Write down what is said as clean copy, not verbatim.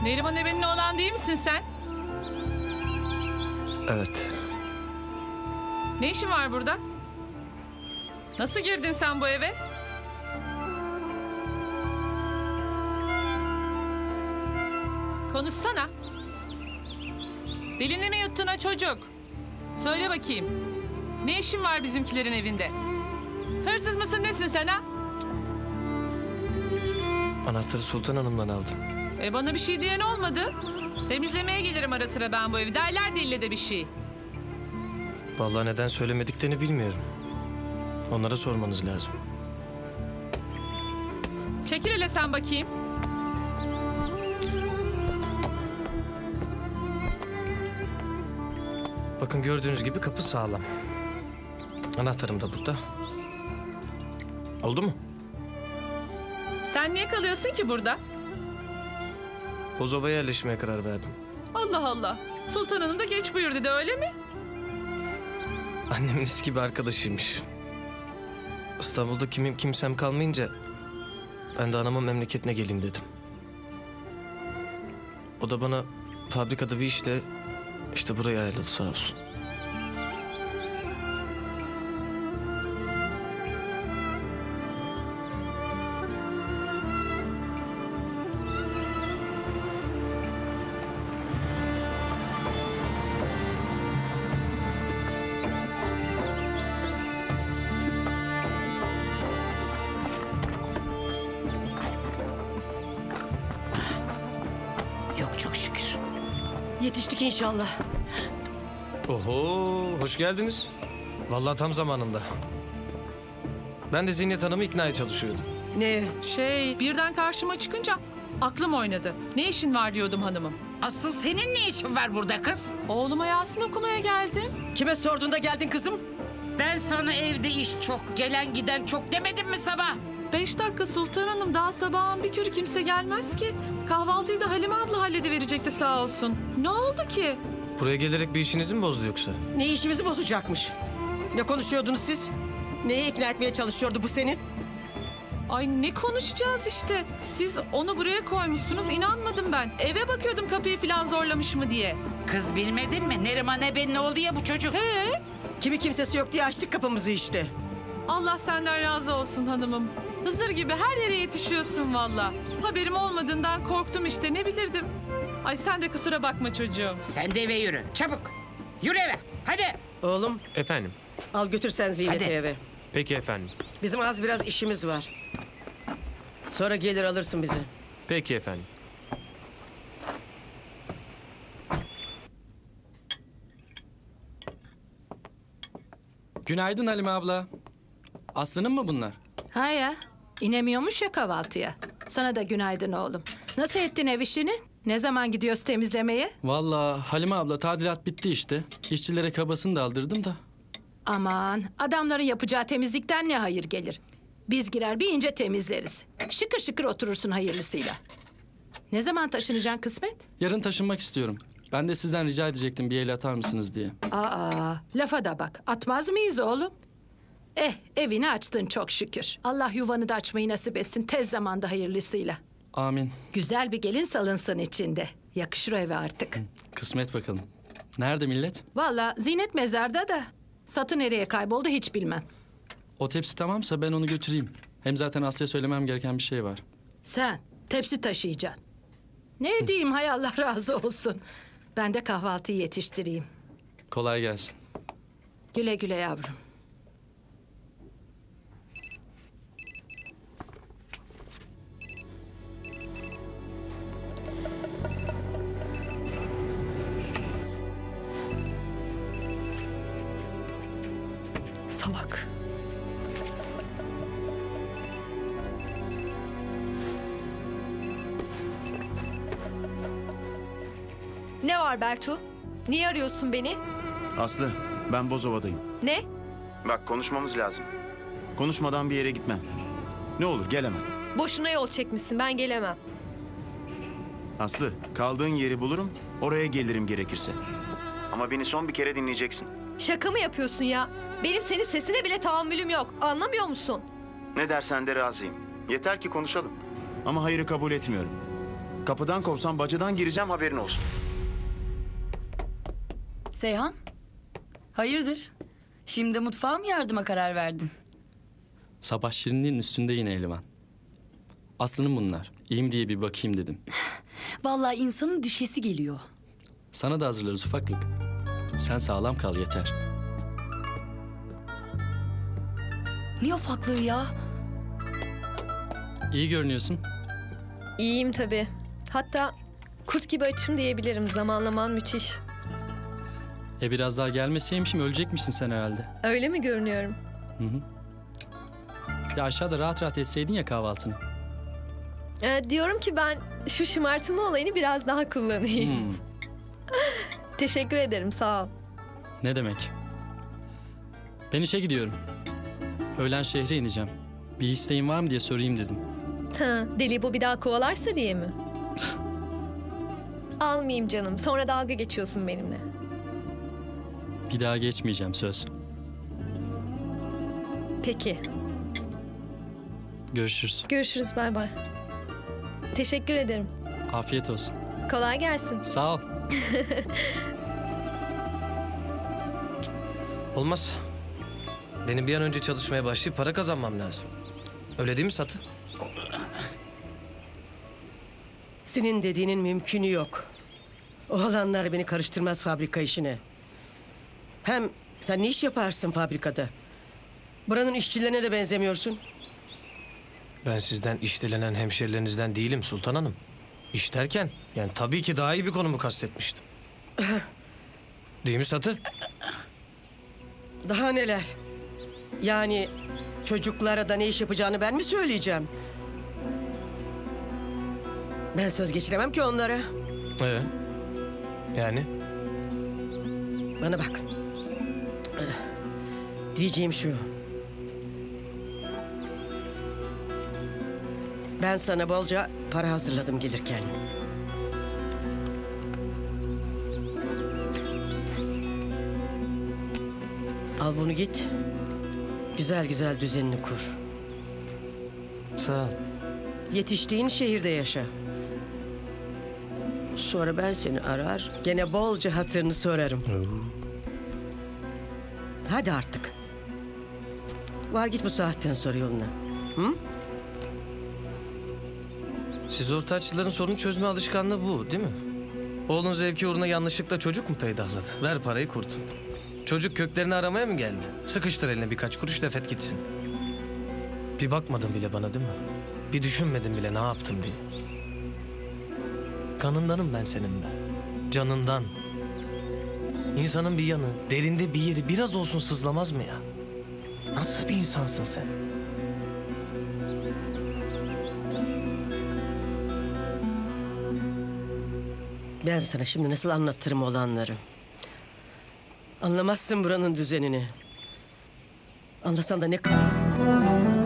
Neriman Eben'in oğlan değil misin sen? Evet. Ne işin var burada? Nasıl girdin sen bu eve? Konuşsana. Dilini mi yuttun ha çocuk? Söyle bakayım. Ne işin var bizimkilerin evinde? Hırsız mısın nesin sen ha? Anahtarı Sultan Hanım'dan aldım. Bana bir şey diyen olmadı. Temizlemeye gelirim ara sıra ben bu evi. Derler de ille de bir şey. Vallahi neden söylemediklerini bilmiyorum. Onlara sormanız lazım. Çekil hele sen bakayım. Bakın gördüğünüz gibi kapı sağlam. Anahtarım da burada. Oldu mu? Sen niye kalıyorsun ki burada? Bozova'ya yerleşmeye karar verdim. Allah Allah. Sultan Hanım da geç buyur dedi öyle mi? Annemin eski bir arkadaşıymış. İstanbul'da kimsem kalmayınca ben de anamın memleketine geleyim dedim. O da bana fabrikada bir işle işte buraya ayarladı sağ olsun. Yok çok şükür. Yetiştik inşallah. Oho, hoş geldiniz. Vallahi tam zamanında. Ben de Zinet Hanım'ı iknaya çalışıyordum. Ne? Birden karşıma çıkınca aklım oynadı. Ne işin var diyordum hanımım. Asıl senin ne işin var burada kız? Oğluma Yasin okumaya geldim. Kime sorduğunda geldin kızım? Ben sana evde iş çok, gelen giden çok demedim mi sabah? 5 dakika Sultan Hanım, daha sabahın bir körü kimse gelmez ki. Kahvaltıyı da Halime abla hallediverecekti sağ olsun. Ne oldu ki? Buraya gelerek bir işinizi mi bozdu yoksa? Ne işimizi bozacakmış? Ne konuşuyordunuz siz? Neye ikna etmeye çalışıyordu bu seni? Ay ne konuşacağız işte. Siz onu buraya koymuşsunuz, inanmadım ben. Eve bakıyordum kapıyı falan zorlamış mı diye. Kız bilmedin mi? Neriman Eben ne oldu ya bu çocuk? He? Kimi kimsesi yok diye açtık kapımızı işte. Allah senden razı olsun hanımım. Hızır gibi her yere yetişiyorsun valla. Haberim olmadığından korktum işte, ne bilirdim. Ay sen de kusura bakma çocuğum. Sen de eve yürü, çabuk. Yürü eve, hadi. Oğlum Efendim. al götür sen Zinet'i Hadi. eve. Peki efendim. Bizim az biraz işimiz var. Sonra gelir alırsın bizi. Peki efendim. Günaydın Halime abla. Aslı'nın mı bunlar? Ha ya, inemiyormuş ya kahvaltıya. Sana da günaydın oğlum. Nasıl ettin ev işini? Ne zaman gidiyoruz temizlemeye? Vallahi Halime abla tadilat bitti işte. İşçilere kabasını da aldırdım da. Aman, adamların yapacağı temizlikten ne hayır gelir? Biz girer bir ince temizleriz. Şıkır şıkır oturursun hayırlısıyla. Ne zaman taşınacaksın kısmet? Yarın taşınmak istiyorum. Ben de sizden rica edecektim bir el atar mısınız diye. Aa, lafa da bak. Atmaz mıyız oğlum? Evini açtın çok şükür. Allah yuvanı da açmayı nasip etsin tez zamanda hayırlısıyla. Amin. Güzel bir gelin salınsın içinde. Yakışır o eve artık. Kısmet bakalım. Nerede millet? Vallahi Zinet mezarda da Satı nereye kayboldu hiç bilmem. O tepsi tamamsa ben onu götüreyim. Hem zaten Aslı'ya söylemem gereken bir şey var. Sen tepsi taşıyacaksın. Ne diyeyim hay Allah razı olsun. Ben de kahvaltıyı yetiştireyim. Kolay gelsin. Güle güle yavrum. Salak. Ne var Bertu? Niye arıyorsun beni? Aslı, ben Bozova'dayım. Ne? Bak konuşmamız lazım. Konuşmadan bir yere gitmem. Ne olur gel hemen. Boşuna yol çekmişsin, ben gelemem. Aslı, kaldığın yeri bulurum, oraya gelirim gerekirse. Ama beni son bir kere dinleyeceksin. Şaka mı yapıyorsun ya? Benim senin sesine bile tahammülüm yok. Anlamıyor musun? Ne dersen de razıyım. Yeter ki konuşalım. Ama hayırı kabul etmiyorum. Kapıdan kovsam bacadan gireceğim, haberin olsun. Seyhan, hayırdır? Şimdi mutfağa mı yardıma karar verdin? Sabah şirinliğin üstünde yine Elvan. Aslı'nın bunlar. İyi mi diye bir bakayım dedim. Vallahi insanın düşesi geliyor. Sana da hazırlarız ufaklık. Sen sağlam kal yeter. Ne ufaklığı ya? İyi görünüyorsun. İyiyim tabii. Hatta kurt gibi açım diyebilirim. Zamanlaman müthiş. Biraz daha gelmeseymişim ölecekmişsin sen herhalde. Öyle mi görünüyorum? Ya aşağıda rahat rahat etseydin ya kahvaltını. Diyorum ki ben şu şımartma olayını biraz daha kullanayım. Teşekkür ederim, sağ ol. Ne demek? Ben işe gidiyorum. Öğlen şehre ineceğim. Bir isteğin var mı diye sorayım dedim. Ha, deli bu bir daha kovalarsa diye mi? Almayayım canım. Sonra dalga geçiyorsun benimle. Bir daha geçmeyeceğim söz. Peki. Görüşürüz. Görüşürüz, bay bay. Teşekkür ederim. Afiyet olsun. Kolay gelsin. Sağ ol. Olmaz. Benim bir an önce çalışmaya başlayıp para kazanmam lazım. Öyle değil mi Satı? Senin dediğinin mümkünü yok. Oğlanlar beni karıştırmaz fabrika işine. Hem sen ne iş yaparsın fabrikada? Buranın işçilerine de benzemiyorsun. Ben sizden işlenen hemşerilerinizden değilim Sultan Hanım. İş derken yani tabii ki daha iyi bir konumu kastetmiştim. Değil mi Satı? Daha neler? Yani çocuklara da ne iş yapacağını ben mi söyleyeceğim? Ben söz geçiremem ki onlara. Yani? Bana bak. Diyeceğim şu. Ben sana bolca para hazırladım gelirken. Al bunu git. Güzel güzel düzenini kur. Sağ ol. Yetiştiğin şehirde yaşa. Sonra ben seni arar, gene bolca hatırını sorarım. Hadi artık. Var git bu saatten sonra yoluna. Hı? Siz ortaççıların sorun çözme alışkanlığı bu değil mi? Oğlun zevki uğruna yanlışlıkla çocuk mu peydahladı? Ver parayı kurtul. Çocuk köklerini aramaya mı geldi? Sıkıştır eline birkaç kuruş defet gitsin. Bir bakmadın bile bana değil mi? Bir düşünmedin bile ne yaptım diye. Kanındanım ben senin be. Canından. İnsanın bir yanı, derinde bir yeri biraz olsun sızlamaz mı ya? Nasıl bir insansın sen? Ben sana şimdi nasıl anlatırım olanları. Anlamazsın buranın düzenini. Anlasan da ne kadar...